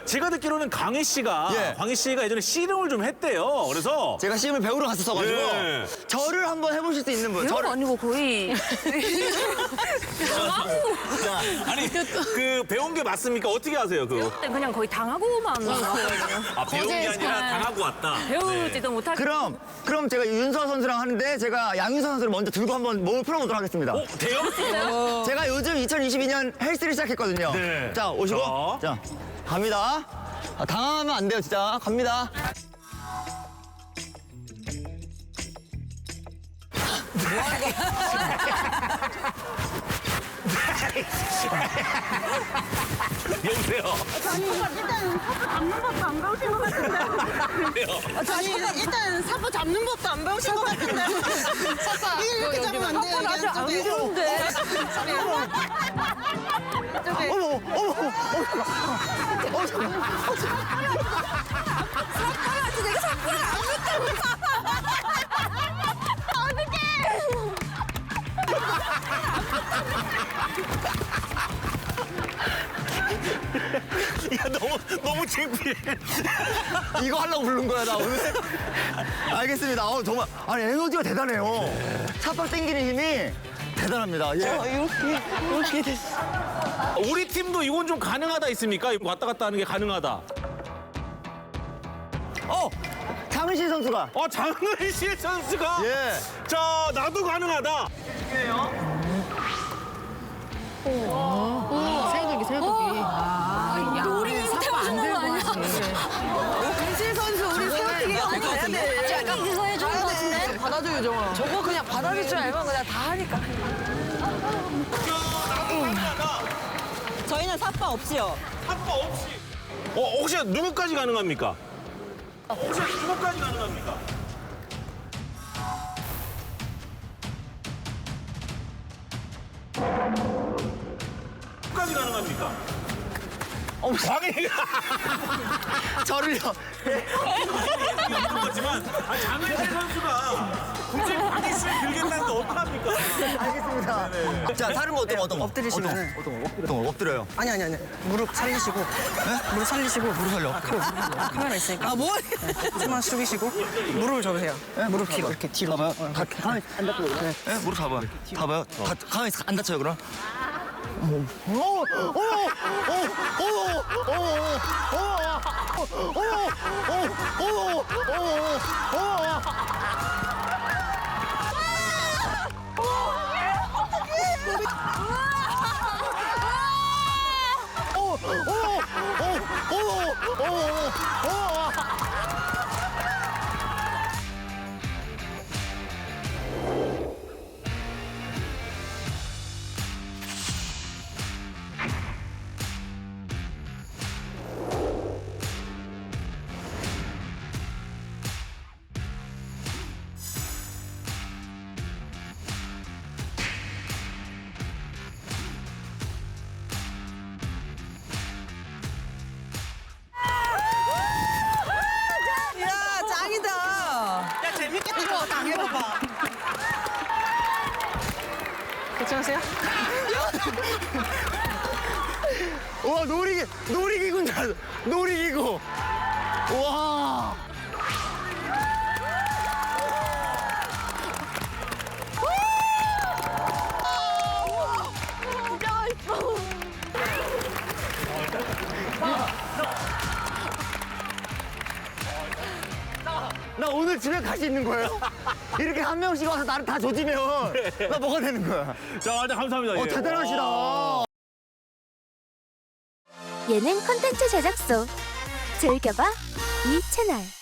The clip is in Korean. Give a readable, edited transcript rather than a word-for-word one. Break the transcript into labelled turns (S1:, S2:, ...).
S1: 제가 듣기로는 광희 씨가
S2: 예.
S1: 예전에 씨름을 좀 했대요. 그래서
S2: 제가 씨름을 배우러 갔었어가지고
S1: 예.
S2: 저를 한번 해보실 수 있는 분.
S3: 배우가 아니고 거의
S1: 아니 그 배운 게 맞습니까? 어떻게 하세요?
S3: 그냥 거의 당하고만 왔거든요.
S1: 아 배운 게 아니라 당하고 왔다.
S3: 배우지도 못하고.
S2: 그럼 제가 윤서 선수랑 하는데 제가 양윤서 선수를 먼저 들고 한번 몸을 풀어보도록 하겠습니다.
S1: 돼요?
S2: 제가 요즘 2022년 헬스를 시작했거든요.
S1: 네.
S2: 자, 오시고. 자, 갑니다. 아, 당황하면 안 돼요, 진짜. 갑니다.
S1: 여보세요.
S4: 아니 일단 사포 잡는 법도 안 배우신 것 같은데. 아니 일단 사포 잡는 법도 안 배우신 것 같은데. 이게 이렇게 잡으면 안 돼요.
S3: 아직 안 배운데.
S1: 야 너무 창피해.
S2: 이거 하려고 부른 거야, 나 오늘. 알겠습니다. 정말. 아니, 에너지가 대단해요. 삽밥 당기는 힘이 대단합니다. 예. 이렇게 됐어.
S1: 우리 팀도 이건 좀 가능하다 있습니까? 왔다 갔다 하는 게 가능하다.
S2: 장은신 선수가.
S1: 장은실 선수가.
S2: 예.
S1: 자 나도 가능하다.
S3: 우리 태우는 거 아니야?
S4: 강실 선수 우리 세워뛰기 해야 돼.
S3: 약간 이거 해주는 거 같은데?
S4: 받아줘요 정아.
S3: 저거 그냥 받아줄 줄 알면 그냥 다 하니까.
S4: 저희는 사파 없이요.
S1: 한바 없이. 혹시 누구까지 가능합니까? 혹시 누구까지 가능합니까? 누구까지 가능합니까? 광희가
S2: 저를요.
S1: 없는 거지만 장은실 선수가 굳이 광희 씨를 들겠다는데 어떡합니까?
S2: 알겠습니다. 자, 다른 거 어떤 거?
S4: 엎드리시면은.
S2: 어떤 거? 엎드려요.
S4: 아니. 무릎 살리시고. 무릎 살리시고.
S2: 무릎 살려.
S4: 카메라 있으니까. 아 뭐? 숨만 숙이시고 무릎을 접으세요. 무릎 뒤로 이렇게 뒤로.
S2: 봐봐요. 가만히 안 다쳐요. 네, 무릎 잡아요. 봐봐요. 가만히 안 다쳐요, 그럼.
S4: 야 짱이다. 야 재밌겠다. 이거 당해봐봐. 괜찮으세요?
S2: 와, 놀이기구인 줄 알았어. 놀이기구. 와. 나 오늘 집에 갈 수 있는 거예요? 이렇게 한 명씩 와서 나를 다 조지면 나 뭐가 되는 거야?
S1: 자, 감사합니다. 예.
S2: 대단하시다.
S5: 예능 콘텐츠 제작소 즐겨봐 이 채널.